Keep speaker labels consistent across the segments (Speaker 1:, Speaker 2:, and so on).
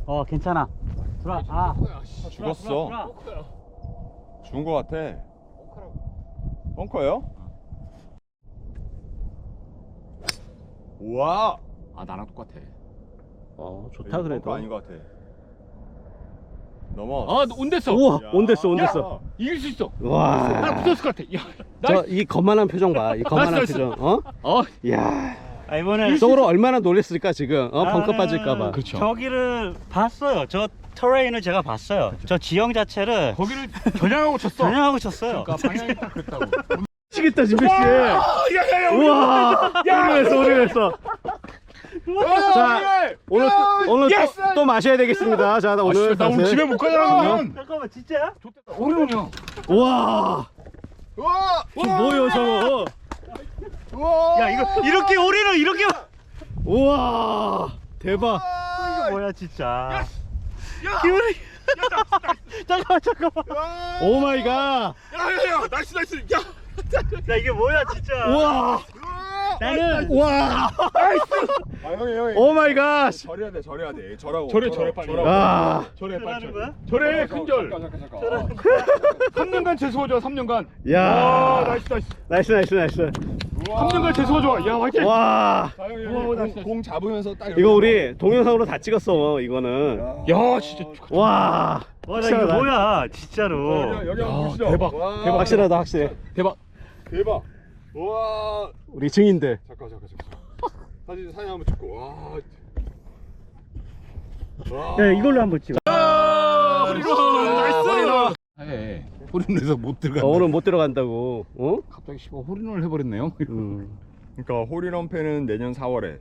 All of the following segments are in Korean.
Speaker 1: 괜찮아. 들어와.
Speaker 2: 죽었어. 죽은 거 같아. 벙커예요? 우와.
Speaker 3: 나랑 똑같아.
Speaker 1: 좋다
Speaker 2: 벙커
Speaker 1: 그래도.
Speaker 2: 아닌 것 같아. 넘어.
Speaker 3: 온댔어.
Speaker 1: 우와,
Speaker 2: 야.
Speaker 1: 온댔어.
Speaker 3: 이길 수 있어.
Speaker 1: 와.
Speaker 3: 나 붙었을 것 같아. 야,
Speaker 1: 저 이 거만한 표정 봐. 이 거만한
Speaker 3: 나이스,
Speaker 1: 표정. 야.
Speaker 4: 이번에
Speaker 1: 속으로 얼마나 놀랬을까 지금. 벙커 빠질까봐.
Speaker 3: 그렇죠.
Speaker 4: 저기를 봤어요. 저 터레인을 제가 봤어요. 저 지형 자체를
Speaker 3: 거기를 겨냥하고 쳤어.
Speaker 4: 전향하고 쳤어요.
Speaker 3: 그러니까 방향이 딱 그랬다고.
Speaker 1: 미치겠다 진백 씨.
Speaker 3: 야야야.
Speaker 1: 우와. 오리했어. 자, 오늘 또 마셔야 되겠습니다. 자, 오늘
Speaker 3: 나 오늘 집에 못 가잖아.
Speaker 4: 잠깐만 진짜야?
Speaker 3: 오리롱이야.
Speaker 1: 와.
Speaker 2: 우와.
Speaker 1: 뭐예요 저거?
Speaker 2: 우와.
Speaker 4: 야 이거 이렇게 오리는 이렇게
Speaker 1: 우와. 대박.
Speaker 4: 이거 뭐야 진짜. 기분이. 잠깐만.
Speaker 1: 오 마이 갓.
Speaker 3: 야야야. 나이스. 야.
Speaker 4: 야 이게 뭐야 진짜.
Speaker 1: 우와.
Speaker 4: 나는
Speaker 1: 우와.
Speaker 2: 형이.
Speaker 1: 오 마이 갓.
Speaker 2: 절해야 돼. 절하고.
Speaker 3: 절해 빨리.
Speaker 1: 아.
Speaker 3: 절해 빨리.
Speaker 4: 하는 거야?
Speaker 3: 절해 큰절.
Speaker 2: 잠깐.
Speaker 3: 3년간 재수가 좋아. 3년간.
Speaker 1: 야.
Speaker 3: 나이스.
Speaker 1: 나이스.
Speaker 3: 3년간 재수가 좋아. 야 화이팅.
Speaker 1: 와.
Speaker 2: 공 잡으면서 딱.
Speaker 1: 이거 우리 동영상으로 다 찍었어. 이거는.
Speaker 3: 야 진짜.
Speaker 1: 와.
Speaker 4: 와 나 이거 뭐야 진짜로.
Speaker 2: 여기 한번 보시죠.
Speaker 3: 대박.
Speaker 2: 와.
Speaker 3: 대박.
Speaker 1: 확실하다 확실해.
Speaker 3: 대박.
Speaker 2: 대박. 우와.
Speaker 1: 우리 증인들.
Speaker 2: 잠깐. 사진 한번 찍고. 와.
Speaker 4: 야 이걸로 한번 찍어.
Speaker 3: 호리롱 나이스. 해. 호리롱에서 못 들어가.
Speaker 1: 오늘 못 들어간다고.
Speaker 3: 갑자기 호리롱을 해버렸네요.
Speaker 2: 그러니까 홀인원 패는 내년 4월에.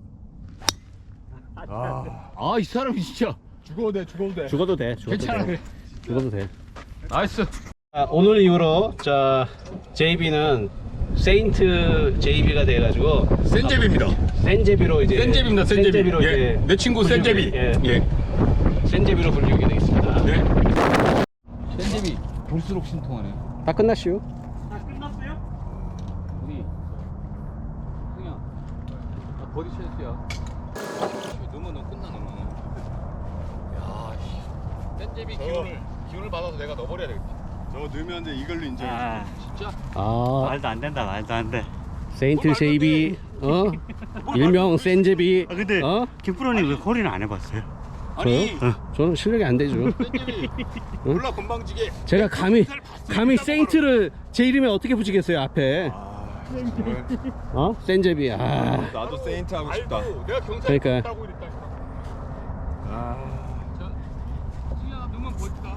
Speaker 3: 이 사람이 진짜.
Speaker 1: 죽어도 돼.
Speaker 3: 괜찮아. 그래.
Speaker 1: 죽어도 돼.
Speaker 3: 나이스.
Speaker 1: 오늘 이후로 JB는 세인트 JB가 돼가지고
Speaker 3: 센제비입니다.
Speaker 1: 센제비로 이제
Speaker 3: 센제비입니다.
Speaker 1: 센제비로
Speaker 3: 예.
Speaker 1: 이제
Speaker 3: 내 친구 센제비.
Speaker 1: 예. 센제비로 불리게 되겠습니다.
Speaker 3: 네. 센제비 볼수록 신통하네.
Speaker 1: 다 끝났슈.
Speaker 4: 다 끝났어요?
Speaker 3: 우리 승이야. 나 버디 찬스야. 넣으면 너 끝나 너는. 야, 센제비 기운을 받아서 내가 넣어버려야 되겠다.
Speaker 2: 저거 넣으면 이제 이걸로 인정.
Speaker 3: 진짜?
Speaker 4: 말도 안 된다 말도 안 돼.
Speaker 1: 세인트 JB 일명 센제비.
Speaker 4: 근데 김프로님 왜 홀인을 안 해봤어요?
Speaker 3: 아니,
Speaker 1: 저는 실력이 안 되죠.
Speaker 3: 센제비 몰라 건방지게.
Speaker 1: 제가 감히 세인트를 제 이름에 어떻게 붙이겠어요 앞에. 센제비.
Speaker 2: 나도 세인트 하고 싶다.
Speaker 3: 내가 경찰
Speaker 1: 그러니까.
Speaker 3: 따고 이랬다.